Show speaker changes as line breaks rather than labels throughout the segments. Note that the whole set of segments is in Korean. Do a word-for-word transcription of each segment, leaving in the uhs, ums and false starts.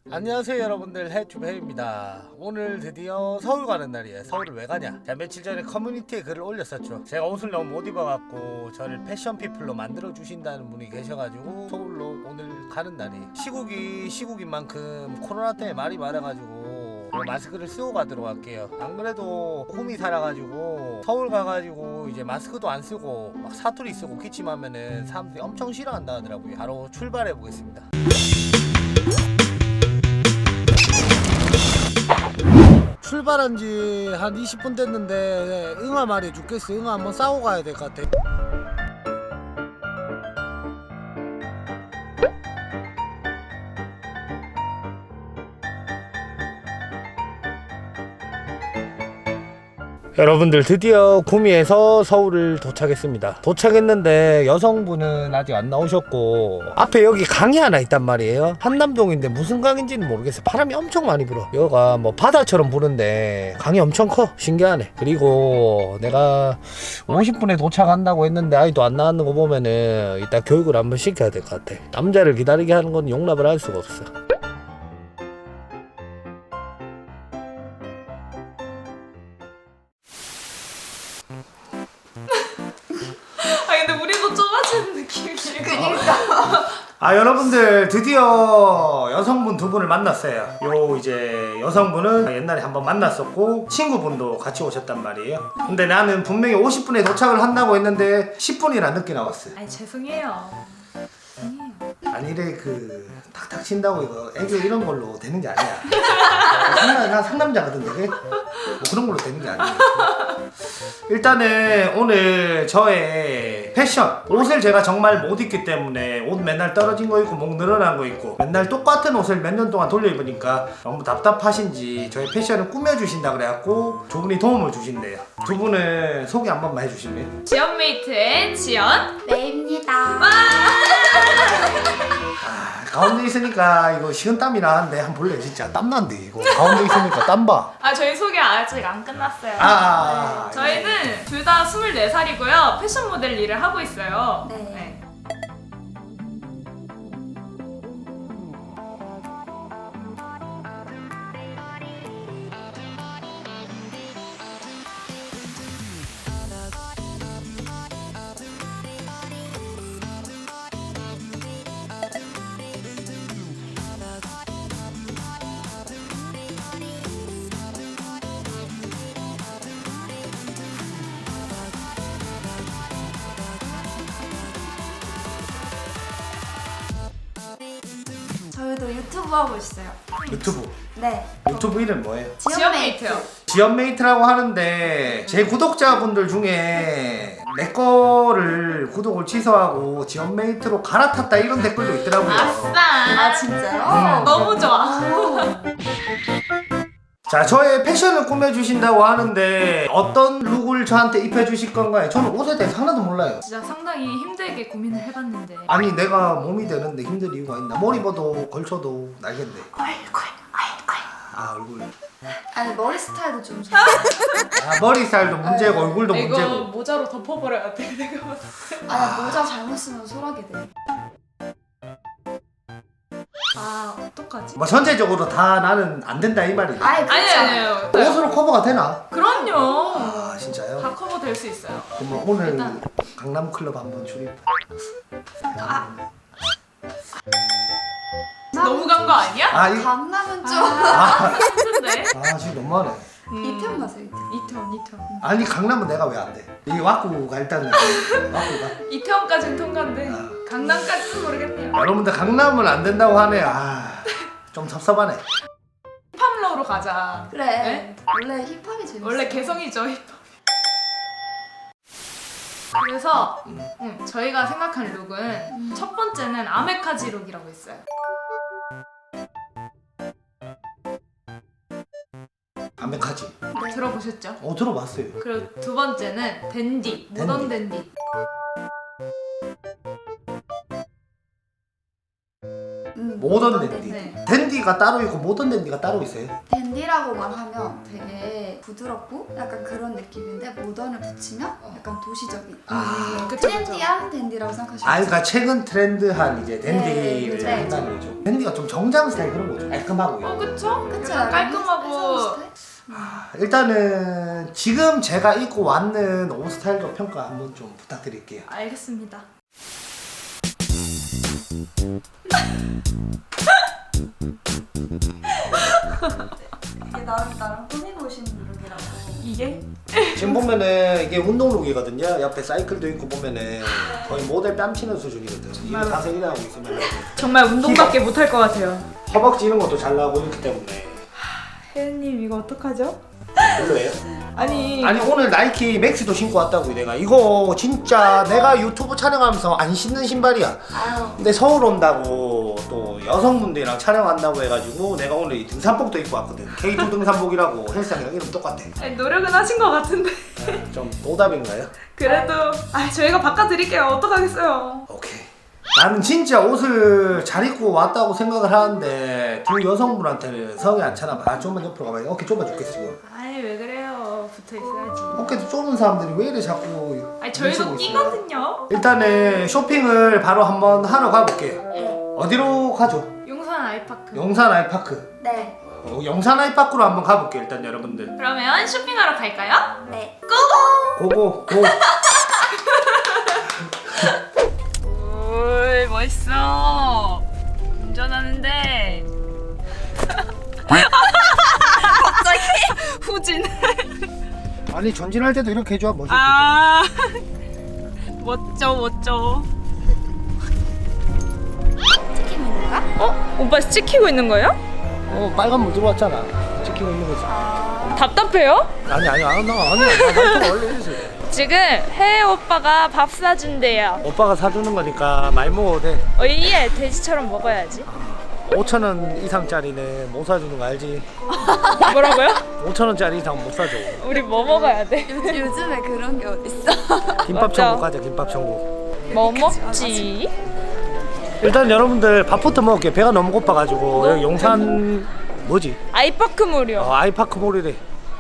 안녕하세요 여러분들, 해튜브 해입니다. 오늘 드디어 서울 가는 날이에요. 서울을 왜 가냐? 제가 며칠 전에 커뮤니티에 글을 올렸었죠. 제가 옷을 너무 못 입어갖고 저를 패션 피플로 만들어 주신다는 분이 계셔가지고 서울로 오늘 가는 날이에요. 시국이 시국인 만큼 코로나 때문에 말이 많아가지고 마스크를 쓰고 가도록 할게요. 안 그래도 홈이 살아가지고 서울 가가지고 이제 마스크도 안 쓰고 막 사투리 쓰고 기침하면은 사람들이 엄청 싫어한다 하더라고요. 바로 출발해 보겠습니다. 출발한 지 한 이십 분 됐는데 응아 말해 죽겠어. 응아 한번 싸고 가야 될 것 같아. 여러분들, 드디어 구미에서 서울을 도착했습니다. 도착했는데 여성분은 아직 안 나오셨고 앞에 여기 강이 하나 있단 말이에요. 한남동인데 무슨 강인지는 모르겠어요. 바람이 엄청 많이 불어. 여기가 뭐 바다처럼 부는데 강이 엄청 커. 신기하네. 그리고 내가 오십 분에 도착한다고 했는데 아이도 안 나왔는 거 보면은 이따 교육을 한번 시켜야 될 것 같아. 남자를 기다리게 하는 건 용납을 할 수가 없어.
아 근데 우리도 좁아지는 느낌이에요.
그니까.
아, 여러분들 드디어 여성분 두 분을 만났어요. 요 이제 여성분은 옛날에 한번 만났었고 친구분도 같이 오셨단 말이에요. 근데 나는 분명히 오십 분에 도착을 한다고 했는데 십 분이나 늦게 나왔어요.
아니 죄송해요. 죄송해요.
아니래, 그 탁탁 친다고 이거 애교 이런 걸로 되는 게 아니야. 상남, 나 상남자거든 되게. 뭐 그런 걸로 되는 게 아니야. 일단은 오늘 저의 패션, 옷을 제가 정말 못 입기 때문에 옷 맨날 떨어진 거 입고 목 늘어난 거 입고 맨날 똑같은 옷을 몇 년 동안 돌려 입으니까 너무 답답하신지 저의 패션을 꾸며주신다 그래갖고 두 분이 도움을 주신대요. 두 분은 소개 한 번만 해주실래요?
지연메이트의 지연.
레입니다.
아, 가운데 있으니까 이거 식은땀이 나는데 한번 볼래? 진짜 땀난데 이거 가운데 있으니까 땀봐.
아 저희 소개 아직 안 끝났어요.
아, 아, 아.
네. 저희는 둘 다 스물네 살이고요. 패션 모델 일을 하고 있어요.
네. 저희도 유튜브 하고 있어요.
유튜브
네.
유튜브 이름 뭐예요?
지연메이트요.
지연메이트라고 하는데 제 구독자분들 중에 내 거를 구독을 취소하고 지연메이트로 갈아탔다 이런 댓글도 있더라고요.
아싸.
아 진짜요?
음.
너무 좋아.
자, 저의 패션을 꾸며주신다고 하는데 어떤 룩을 저한테 입혀주실 건가요? 저는 옷에 대해서 하나도 몰라요.
진짜 상당히 힘들게 고민을 해봤는데.
아니, 내가 몸이 되는데 힘들 이유가 있나? 머리 봐도 걸쳐도 날겠네.
얼굴, 얼굴.
아, 얼굴.
아니 머리 스타일도 좀 좋아.
아, 머리 스타일도 문제고 얼굴도
이거
문제고.
모자로 덮어버려야 돼. 내가 봤을 때.
아 모자 잘못 쓰면 소라게 돼.
아 어떡하지?
뭐 전체적으로 다 나는 안 된다 이 말이지.
아예
아니
그렇지
아니에요.
옷으로 커버가 되나?
그럼요.
아, 진짜요?
다 커버 될 수 있어요.
그럼 오늘
일단.
강남 클럽 한번 출입.
너무 간 거 아니야?
아, 이,
강남은 좀.
아, 힘든데?
아 지금 너무하네.
이편 가세요 이편.
이태원, 이태원.
아니, 강남은 내가 왜 안 돼? 이 왁구가 일단은 왁구가.
이태원까지는 통과인데
아.
강남까지는 모르겠네요.
여러분들 강남은 안 된다고 하네. 아, 좀 섭섭하네.
힙합러로 가자.
그래.
네?
원래 힙합이 재밌어.
원래 개성이죠, 힙합. 그래서 음, 저희가 생각한 룩은
음.
첫 번째는 아메카지 룩이라고 있어요.
아메카지.
네.
들어보셨죠?
어, 들어봤어요.
그리고 두 번째는 댄디, 모던 댄디.
음,
모던
모던
댄디.
네.
댄디 댄디가 따로 있고 모던 댄디가 따로 있어요?
댄디라고만 하면 되게 부드럽고 약간 그런 느낌인데 모던을 붙이면 약간 도시적인
아,
음,
그쵸,
트렌디한 댄디라고 생각하시면
아 그러니까 최근 트렌드한 이제 댄디를
네, 네.
한다는 거죠. 댄디가 좀 정장 스타일 그런 거죠. 깔끔하고.
어 그쵸?
그쵸?
약간 깔끔하고
회사 스타일?
일단은 지금 제가 입고 왔는 옷 스타일도 평가 한번 좀 부탁드릴게요.
알겠습니다.
이게 나름 나름 꾸미고 오신 룩이라고.
이게?
지금 보면은 이게 운동룩이거든요. 옆에 사이클도 있고 보면은 거의 모델 뺨치는 수준이거든. 이거 자세 일하고 있으면
정말 운동밖에 못할 것 같아요.
허벅지 이런 것도 잘 나오고 있기 때문에
혜연님 이거 어떡하죠?
별로예요?
아니
아니 오늘 나이키 맥스도 신고 왔다고 내가. 이거 진짜 내가 유튜브 촬영하면서 안 신는 신발이야.
아유.
근데 서울 온다고 또 여성분들이랑 촬영한다고 해가지고 내가 오늘 이 등산복도 입고 왔거든. 케이 투 등산복이라고 헬스장이랑 이름 똑같아.
아니, 노력은 하신 것 같은데
좀 노답인가요?
그래도 아 저희가 바꿔드릴게요. 어떡하겠어요.
오케이. 나는 진짜 옷을 잘 입고 왔다고 생각을 하는데 두 여성분한테는 성이 안 차나 봐. 아, 좀만 옆으로 가봐. 어깨 좁아죽겠어 지금.
아니 왜 그래요. 붙어있어야지.
어깨도 좁은 사람들이 왜 이래 자꾸
아니 저희도
뭉치고 있어요?
끼거든요.
일단은 쇼핑을 바로 한번 하러 가볼게요. 어디로 가죠?
용산 아이파크.
용산 아이파크.
네.
어, 용산 아이파크로 한번 가볼게요. 일단 여러분들.
그러면 쇼핑하러 갈까요?
네.
고고 고.
오 멋있어. 운전하는데 갑자기 후진.
아니 전진할 때도 이렇게 해줘 멋있게.
아 멋져 멋져.
찍히고 있는 거야?
어? 오빠 찍히고 있는 거예요?
어 빨간 물 들어왔잖아. 찍히고 있는 거지.
답답해요?
아니 아니 안 나가 아니 나 원래 이랬어.
지금 혜혜 오빠가 밥 사준대요.
오빠가 사주는 거니까 많이 먹어도 돼.
어, 이에 돼지처럼 먹어야지.
오천 원 이상짜리는 못 사주는 거 알지?
뭐라고요?
오천 원짜리 이상 못 사줘.
우리 뭐 먹어야 돼?
요즘, 요즘에 그런 게 어딨어?
김밥
맞죠?
천국 가자. 김밥 천국.
뭐 먹지?
일단 여러분들 밥부터 먹을게. 배가 너무 고파가지고 여기 용산 뭐지?
아이파크몰이요.
어, 아이파크 몰이래.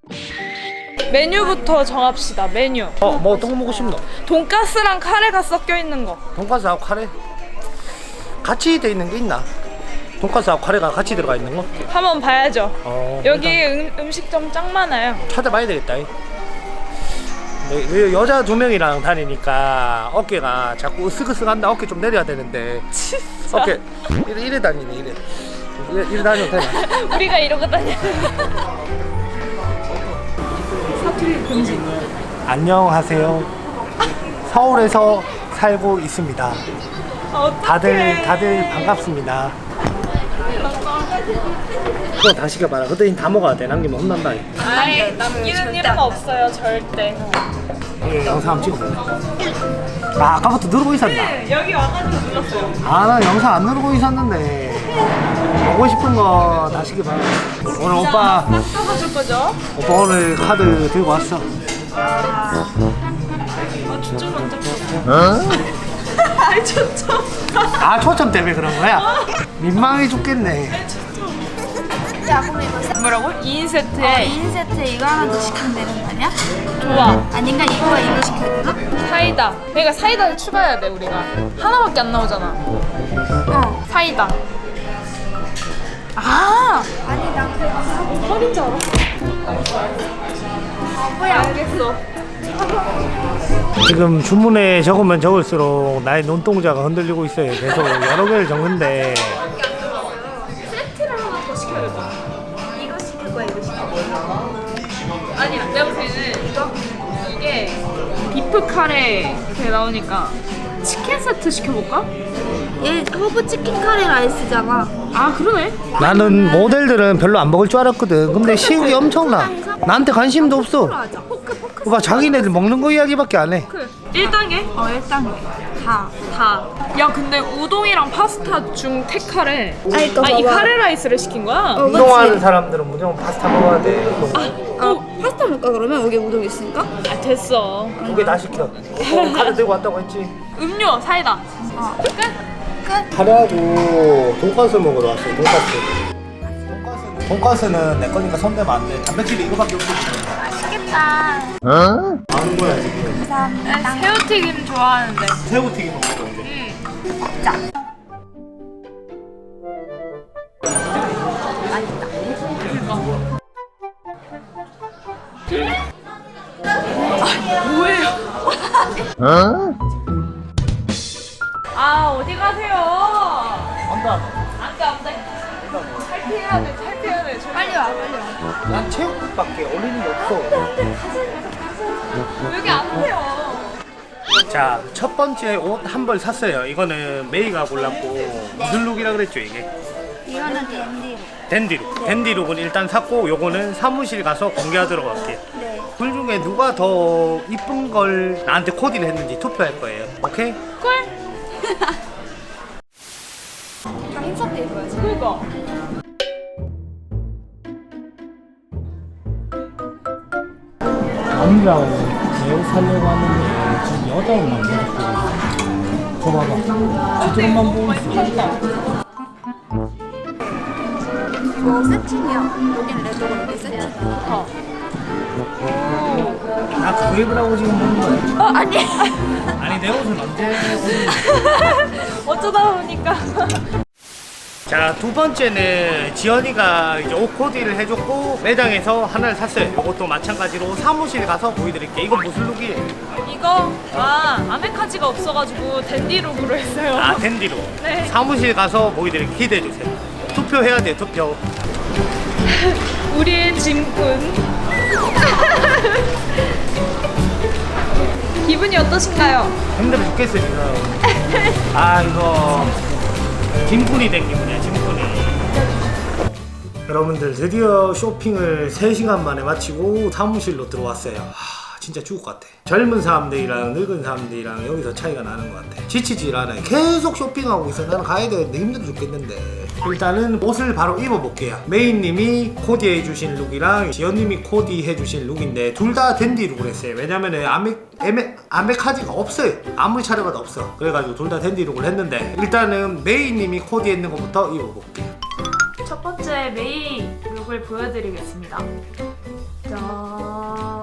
메뉴부터 정합시다. 메뉴.
어, 뭐 어떤 거 먹고 싶노?
돈가스랑 카레가 섞여 있는 거.
돈가스하고 카레? 같이 돼 있는 게 있나? 돈가스하고 카레가 같이 들어가 있는 거?
한번 봐야죠.
어,
여기
일단
음, 음식점 짱 많아요.
찾아봐야 되겠다. 네, 여자 두 명이랑 다니니까 어깨가 자꾸 으쓱으쓱한다. 어깨 좀 내려야 되는데 어깨 이래, 이래 다니네. 이래 이래, 이래 다녀도 되나?
우리가 이러고 다녀. 사투리 금지.
안녕하세요. 서울에서 살고 있습니다.
어떡해.
다들 다들 반갑습니다. 그거 다 시켜봐라. 그때 다 먹어야 돼. 남기면 혼난다.
아이 남기는 일은 없어요 절대.
예, 영상 한번 찍어볼래? 아, 아까부터 누르고 있었나?
네, 여기 와가지고 눌렀어요.
아, 나 영상 안 누르고 있었는데 보고 싶은 거 다 시켜봐. 오늘 오빠
써줄 거죠?
오빠 오늘 카드 들고 왔어.
아 초점 안 잡혀.
어?
아이 초점.
아, 초점 때문에 그런 거야? 민망해 죽겠네.
야 그럼 이거 세...
뭐라고? 이 인 세트에
이 인 세트에 이거 하나 더 시키면 되는 거 아니야?
좋아.
아닌가 이거와 이거 시켜야 되나?
사이다. 그러니까 사이다를 추가해야 돼 우리가. 하나밖에 안 나오잖아.
어.
사이다. 아.
아니 나 그냥
허리인 줄 알아.
바보야.
알겠어.
지금 주문에 적으면 적을수록 나의 눈동자가 흔들리고 있어요. 계속 여러 개를 적는데
세트를 하나 더 시켜야겠다.
이거 시킬 거야 이거 시킬 거야.
아니야, 내가 볼 때는 이거 이게 비프 카레 그게 나오니까 치킨 세트 시켜볼까?
얘 허브 치킨 카레 라이스잖아.
아 그러네.
나는 모델들은 별로 안 먹을 줄 알았거든. 근데 식욕이 엄청나. 나한테 관심도 없어.
하자. 포크 포크.
봐, 자기네들 먹는 거 이야기밖에 안 해.
그 일 단계
어 일단 다.
다. 야 근데 우동이랑 파스타 중 택카레.
아니, 또
아 이
봐봐.
카레 라이스를 시킨 거야?
어,
운동하는
그치.
사람들은 무조건 파스타 먹어야 돼.
어 파스타 먹을까 그러면 여기 우동 있으니까?
아 됐어.
두 개 다 시켜. 어, 카드 들고 왔다고 했지.
음료 사이다.
어.
끝.
끝.
카레하고 돈가스 먹으러 왔어요. 돈가스. 돈가스는 내 거니까 손대면 안 돼. 단백질이 이거밖에 없어.
맛있겠다.
아는 거야 지금.
감사합니다.
새우튀김 좋아하는데.
새우튀김 먹는 건데.
응.
먹자.
뭐예요? 아 어디 가세요?
안다.
안돼 안돼. 탈피해야 돼 탈피해야 돼.
빨리 와, 빨리 와.
난 체육복밖에 어울리는 게 없어.
왜 이렇게 안 돼요?
자, 첫 번째 옷 한 벌 샀어요. 이거는 메이가 골랐고 무슨 룩이라 그랬죠 이게?
이거는 댄디로.
댄디룩. 댄디룩은 일단 샀고 요거는 사무실 가서 공개하도록 할게요.
네.
둘 중에 누가 더 이쁜 걸 나한테 코디를 했는지 투표할 거예요. 오케이?
꿀?
약간 흰색 때 입어야지.
그거.
남자하고 내 옷 사려고 하는데 지금 여자 옷만 계속 보고 있어. 저 봐봐. 저쪽만 보고 있어.
이거 세팅이야. 여긴 레드고 여기 세팅.
어.
나 그거 입으라고 지금 먹는 거야.
어, 아니.
아니 내 옷은 언제
어쩌다 보니까.
자, 두 번째는 지연이가 이제 옷 코디를 해줬고 매장에서 하나를 샀어요. 이것도 마찬가지로 사무실 가서 보여드릴게요. 이거 무슨 룩이에요?
이거 아 아메카지가 없어가지고 댄디룩으로 했어요.
아, 댄디로.
네.
사무실 가서 보여드릴게요. 기대해주세요. 투표해야 돼요, 투표.
우리의 짐꾼. 기분이 어떠신가요?
힘들어 죽겠어요, 지금. 아, 이거 짐꾼이 된 기분이야, 짐꾼이. 여러분들 드디어 쇼핑을 세 시간 만에 마치고 사무실로 들어왔어요. 하, 진짜 죽을 것 같아. 젊은 사람들이랑 늙은 사람들이랑 여기서 차이가 나는 것 같아. 지치질 않아요. 계속 쇼핑하고 있어. 나는 가야 되는데 힘들어 죽겠는데. 일단은 옷을 바로 입어볼게요. 메인님이 코디해주신 룩이랑 지연님이 코디해주신 룩인데 둘 다 댄디 룩을 했어요. 왜냐면은 아메, 에메, 아메카지가 없어요. 아무리 차려봐도 없어. 그래가지고 둘 다 댄디 룩을 했는데 일단은 메인님이 코디했는 것부터 입어볼게요.
첫 번째 메이 룩을 보여드리겠습니다. 짠.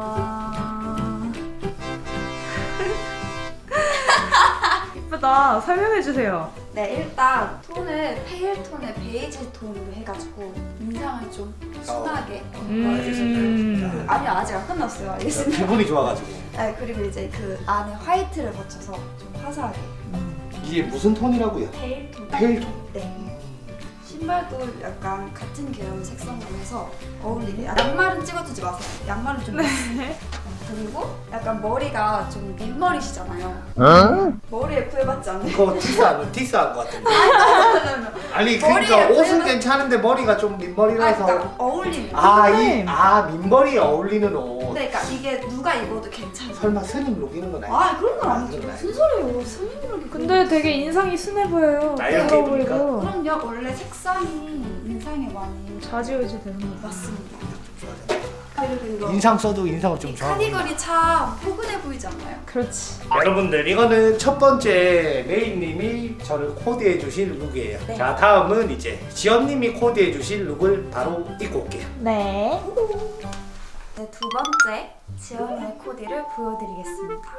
이쁘다. 설명해주세요.
네, 일단 톤을 페일 톤에 베이지 톤으로 해가지고 인상을 좀 순하게.
음.
아니요, 아직 안 끝났어요. 알겠습니다.
기분이 좋아가지고.
네, 그리고 이제 그 안에 화이트를 거쳐서 좀 화사하게.
이게 무슨 톤이라고요?
페일 톤.
페일 톤.
네. 신발도 약간 같은 계열 색상으로 해서 어울리게. 아, 양말은 찍어주지 마세요. 양말은 좀.
네.
그리고 약간 머리가 좀 민머리시잖아요. 머리에 구애받지 않는.
이거 티스한 티스한 것 같은데. 아니
머리에
그러니까 옷은
구애받-
괜찮은데 머리가 좀
아,
민머리라서.
그러니까 어울리는.
아, 이, 아, 민머리에 어울리는 옷.
네, 그러니까 이게 누가 입어도 괜찮아.
설마 스님 룩 이런 건 아니야?
아, 그런 건 아니죠.
그건
무슨 소리예요? 스님이라기.
근데 되게 인상이 순해 보여요.
나 이렇게
부러워
입으니까?
보이고.
그럼요. 원래 색상이 인상에 많이
좌지우지 되는 거.
맞습니다. 그리고 이거
인상 써도 인상을 좀 좋아.
카디건이 참 포근해 보이지 않나요?
그렇지.
여러분들 이거는 첫 번째 메인님이 저를 코디해 주신 룩이에요.
네.
자, 다음은 이제 지연님이 코디해 주신 룩을 바로 입고 올게요.
네.
네, 두 번째 지연의 코디를 보여드리겠습니다.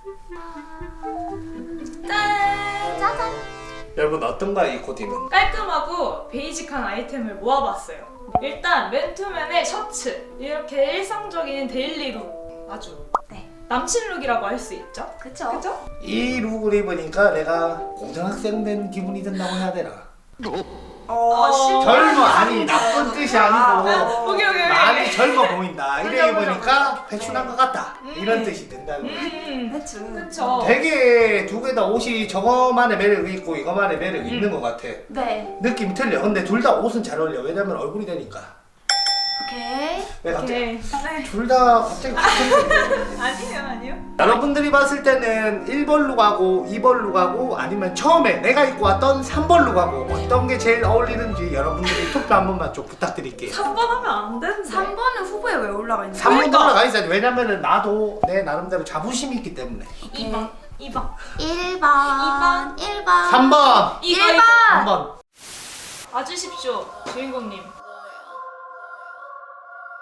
짠! 짜잔!
여러분 어떤가요, 이 코디는?
깔끔하고 베이직한 아이템을 모아봤어요. 일단 맨투맨의 셔츠. 이렇게 일상적인 데일리룩. 아주.
네.
남친 룩이라고 할 수 있죠.
그쵸?
그죠?
이 룩을 입으니까 내가 고등학생 된 기분이 든다고 해야 되나?
어, 실
젊어, 아니 나쁜 뜻이 아니고
오케이, 오케이, 오케이.
많이 젊어 보인다. 이래
그죠, 그죠,
입으니까 배춘한 것 같다.
음.
이런 뜻이 든다고.
음.
배추.
그쵸.
되게 두 개 다 옷이 저거만의 매력이 있고 이거만의 매력이
음.
있는 것 같아.
네.
느낌이 틀려. 근데 둘 다 옷은 잘 어울려. 왜냐면 얼굴이 되니까.
오케이.
왜 갑자기?
오케이. 네.
둘 다 갑자기 같은
아니에요, 아니요.
여러분들이 봤을 때는 일 번 룩하고 이 번 룩하고 아니면 처음에 내가 입고 왔던 삼 번 룩하고 어떤 게 제일 어울리는지 여러분들이 투표 한 번만 좀 부탁드릴게요.
삼 번 하면 안 되는데.
삼 번은 후보에 왜 올라가 있는
삼 번
그러니까.
올라가 있어야지. 왜냐면은 나도 내 나름대로 자부심이 있기 때문에.
이 번. 이 번.
일 번. 일 번.
삼 번!
이 번.
일 번.
삼 번!
와주십시오, 주인공님.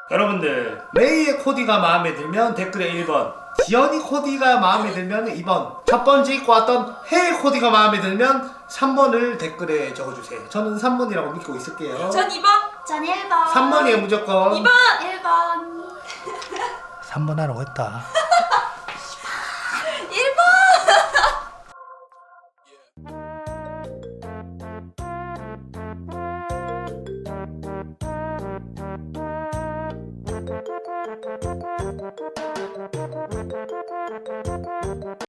여러분들 레이의 코디가 마음에 들면 댓글에 일 번, 지연이 코디가 마음에 들면 이 번, 첫 번째 입고 왔던 해의 코디가 마음에 들면 삼 번을 댓글에 적어주세요. 저는 삼 번이라고 믿고 있을게요.
전 이 번.
전 일 번.
삼 번이에요 무조건.
이 번.
일 번.
삼 번 하라고 했다.
일 번.